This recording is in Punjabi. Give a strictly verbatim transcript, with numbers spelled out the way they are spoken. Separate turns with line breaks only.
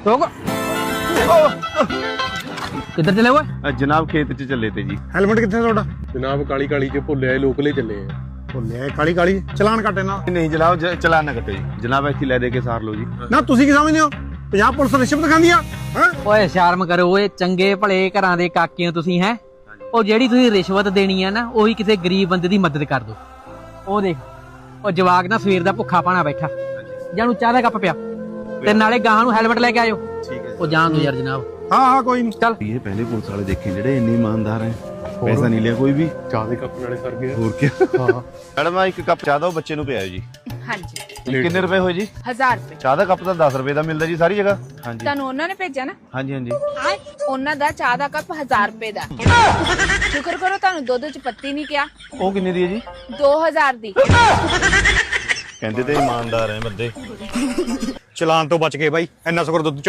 रोक किधर चले हुए?
जनाब खेत च चले थे जी।
हेलमेट कितने ਤੁਹਾਡਾ?
ਜਨਾਬ ਕਾਲੀ ਕਾਲੀ ਚ ਭੁੱਲਿਆ ਲੋਕਲੇ ਚੱਲੇ ਆ।
ਭੁੱਲਿਆ ਕਾਲੀ ਕਾਲੀ ਚਲਾਨ ਕੱਟੇ ਨਾ।
नहीं जनाब ज- चलान ना कटो जी जनाब ऐसी ले दे के सार लो जी।
ਨਾ ਤੁਸੀਂ ਕੀ ਸਮਝਦੇ ਹੋ ਪੰਜਾਬ ਪੁਲਿਸ ਰਿਸ਼ਵਤ ਖਾਂਦੀ ਆ ਹੈ?
ਓਏ ਸ਼ਰਮ ਕਰੋ ਓਏ, ਚੰਗੇ ਭਲੇ ਘਰਾਂ ਦੇ ਕਾਕੇ ਹੋ ਤੁਸੀਂ ਹੈ। ਉਹ ਜਿਹੜੀ ਤੁਸੀਂ ਰਿਸ਼ਵਤ ਦੇਣੀ ਆ ਨਾ, ਉਹੀ ਕਿਸੇ ਗਰੀਬ ਬੰਦੇ ਦੀ ਮਦਦ ਕਰ ਦੋ। ਉਹ ਦੇਖ ਉਹ ਜਵਾਕ ਨਾ ਸਵੇਰ ਦਾ ਭੁੱਖਾ ਪਾਣਾ ਬੈਠਾ, ਜਾਨੂੰ ਚਾਹ ਦਾ ਕੱਪ ਪਿਆ ਤੇ ਨਾਲੇ ਗਾਹਾਂ ਨੂੰ ਹੈਲਮਟ ਲੈ ਕੇ ਆਇਓ।
ठीक है
ਉਹ ਜਾਣ ਦੋ ਯਾਰ ਜਨਾਬ।
ਹਾਂ ਹਾਂ ਕੋਈ ਨਹੀਂ।
ਚੱਲ
ये पहले पुलिस वाले देखे जेडे इन्ने ईमानदार हैं, पैसा नहीं लिया कोई भी।
ਚਾਹ ਦੇ ਕੱਪ ਨਾਲੇ ਸਰ ਗਿਆ।
और क्या
ਹਾਂ
मैडम एक कप चाह दो बच्चे नु पियाओ जी।
ਹਾਂਜੀ
कितने रुपए होए जी?
ਹਜ਼ਾਰ ਰੁਪਏ
चाह दा कप तो दस रुपए का मिलता जी सारी जगह। हाँ जी
ਤੁਹਾਨੂੰ ਉਹਨਾਂ ਨੇ ਭੇਜਿਆ ਨਾ,
हाँ जी हाँ जी।
ਉਹਨਾਂ ਦਾ ਚਾਹ ਦਾ ਕੱਪ ਹਜ਼ਾਰ ਰੁਪਏ ਦਾ। ਸ਼ੁਕਰ ਕਰੋ ਤੁਹਾਨੂੰ ਦੁੱਧ ਚ ਪੱਤੀ ਨਹੀਂ ਕਿਹਾ।
वो किन्ने दी है जी?
ਦੋ ਹਜ਼ਾਰ ਦੀ।
कहते तो ईमानदार हैं बंदे।
ਚਲਾਨ ਤੋਂ ਬਚ ਗਏ ਬਾਈ, ਇੰਨਾ ਸ਼ੁਕਰ ਦੁੱਧ